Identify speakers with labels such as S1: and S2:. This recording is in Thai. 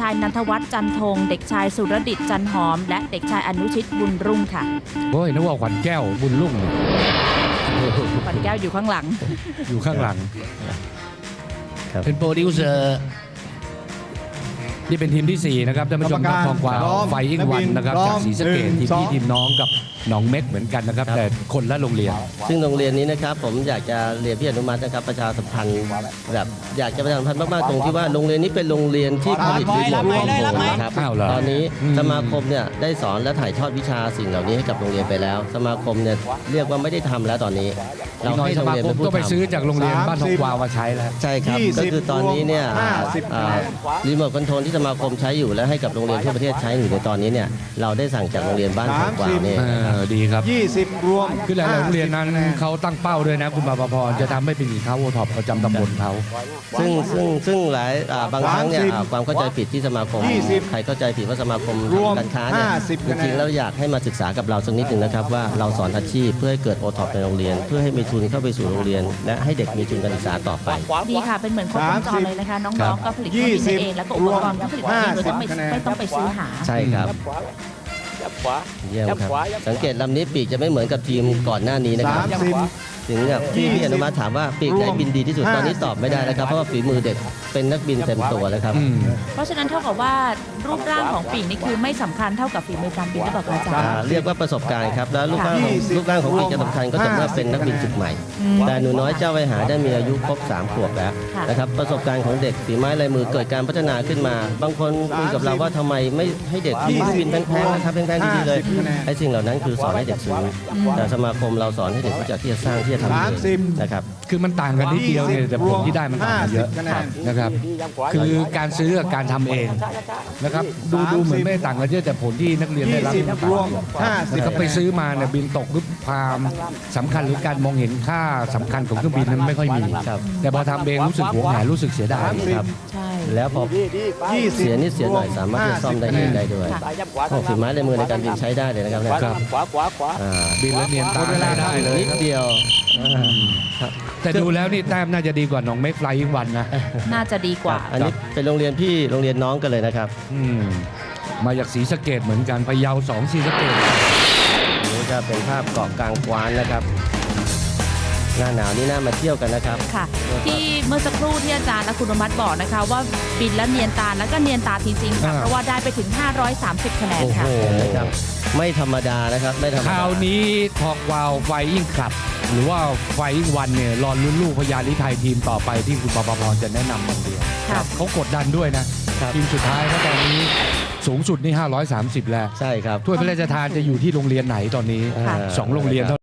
S1: ชายนันทวัฒน์จันทงเด็กชายสุรดิตจันหอมและเด็กชายอนุชิตบุญรุ่งค่ะ
S2: โอ้ยนึกว่าขวัญแก้วบุญรุ่ง
S1: ขวัญแก้วอยู่ข้างหลัง
S2: อยู่ข้างหลังเป็นโปรดิวเซอร์นี่เป็นทีมที่4นะครับท่านผู้ชมครับทองกวาวไฟอิงวันนะครับจากศรีสะเกษทีมพี่ทีมน้องกับหนองเม็กเหมือนกันนะครับแต่คนละโรงเรียน
S3: ซึ่งโรงเรียนนี้นะครับผมอยากจะเรียนพี่อนุมัตินะครับประชาสัมพันธ์แบบอยากจะประชาสัมพันธ์มากๆตรงที่ว่าโรงเรียนนี้เป็นโรงเรียนที่ผลิตรีโมทคอนโทรลนะครับตอนนี้สมาคมเนี่ยได้สอนและถ่ายทอดวิชาสิ่งเหล่านี้ให้กับโรงเรียนไปแล้วสมาคมเนี่ยเรียกว่าไม่ได้ทำแล้วตอนนี้
S2: เราให้โรงเรียนเป็นผู้ทำก็ไปซื้อจากโรงเรียนบ้านทองกวาวมาใช้แล้ว
S3: ใช่ครับก็คือตอนนี้เนี่ยรีโมทคอนโทรลที่สมาคมใช้อยู่และให้กับโรงเรียนทั่วประเทศใช้อยู่ในตอนนี้เนี่ยเราได้สั่งจากโรงเรียนบ้านทองกวาวเนี่ย
S2: ดีครับ
S4: 20รวม
S2: คือหลายโรงเรียนนั้นเขาตั้งเป้าด้วยนะคุณปภพรจะทำให้เป็นสินค้าโอท็อปประจำตำบลเขา
S3: ซึ่งหลายบางครั้งเนี่ยความเข้าใจผิดที่สมาคมใครเข้าใจผิดว่าสมาคมการค้าเนี่ยจริงๆแล้วอยากให้มาศึกษากับเราสักนิดหนึ่งนะครับว่าเราสอนอาชีพเพื่อให้เกิดโอท็อปในโรงเรียนเพื่อให้มีทุนเข้าไปสู่โรงเรียนและให้เด็กมีทุนการศึกษาต่อไป
S1: ดีค่ะเป็นเหมือนครบวงจรเลยนะคะน้องๆก็ผลิตวัตถุดิบเองแล้วก็อุปกรณ์ก็ผลิตเองโดยไม่ต้องไปซื้อหา
S3: ใช่ครับเยี่ยมครับสังเกตลำนี้ปีกจะไม่เหมือนกับทีมก่อนหน้านี้นะครับถึงกับพี่อนุมาถามว่าปีกไหนบินดีที่สุดตอนนี้ตอบไม่ได้นะครับเพราะว่าฝีมือเด็กเป็นนักบินเต็มตัวแล้วครับ
S1: เพราะฉะนั้นเท่ากับว่ารูปร่างของปีกนี่คือไม่สำคัญเท่ากับฝีมือการบินหรือเปล่าอาจารย์
S3: เรียกว่าประสบการณ์ครับแล้วรูปร่างของปีกจะสำคัญก็จะเมื่อเป็นนักบินจุดใหม่แต่หนูน้อยเจ้าไวหาได้มีอายุครบ3 ขวบแล้วนะครับประสบการณ์ของเด็กฝีไม้ลายมือเกิดการพัฒนาขึ้นมาบางคนคุยกับเราว่าทำไมไม่ให้เด็กบินแพงๆนะครับแพงๆดีๆเลยไอ้สิ่งเหล่านั้นคือสอนให้เด็กซื้อแต่สมาคมเราสอนให้เด็กรู้จักที่จะสร้างที่จะทำนะครับ
S2: คือมันต่างกันนิดเดียวเนี่ยแต่ผลที่ได้มันต่างกันเยอะนะครับคือการซื้อกับการทำเองนะครับดูเหมือนไม่ต่างกันเยอะแต่ผลที่นักเรียนได้รับมันต่างกันนี่เขาไปซื้อมาเนี่ยบินตกหรือความสำคัญหรือการมองเห็นค่าสำคัญของเครื่องบินนั้นไม่ค่อยมีแต่พอทำเองรู้สึกหวงแหนรู้สึกเสียดายครับ
S3: แล้วพอเสียนิดเสียหน่อยสามารถจะซ่อมได้เองได้ด้วยฝีไม้ลายมือในการบินใช้ได้เลยนะครับ
S2: บินแล้วเนียนตาได้เลย
S3: นิดเดียว
S2: แต่ดูแล้วนี่แต้มน่าจะดีกว่าน้องเมกไฟอิงวันนะ
S1: น่าจะดีกว่า
S3: อันนี้เป็นโรงเรียนพี่โรงเรียนน้องกันเลยนะครับ
S2: มาจากศรีสะเกษเหมือนกันพะเยา2ศรีสะเกษ
S3: นี่ก็เป็นภาพเกาะกลางกวานนะครับหน้าหนาวนี่น่ามาเที่ยวกันนะครับ
S1: ค่ะที่เมื่อสักครู่ที่อาจารย์และคุณอนุมัติบอกนะคะว่าบินและเนียนตาแล้วก็เนียนตาจริงๆค่ะเพราะว่าได้ไปถึง530คะแนนค่ะ
S3: ไม่ธรรมดานะครับไม่ธรรมดา
S2: คราวนี้ทองวาวไฟอิงคลับหรือว่าไฟอิงวันเนี่ยรอลุ้นลูกพญาลิไทยทีมต่อไปที่คุณปภพรจะแนะนำคนเดียวเขากดดันด้วยนะทีมสุดท้ายเพราะตอนนี้สูงสุดนี่530แล้ว
S3: ใช่ครับ
S2: ถ้วยพระราชทานจะอยู่ที่โรงเรียนไหนตอนนี้2 โรงเรียน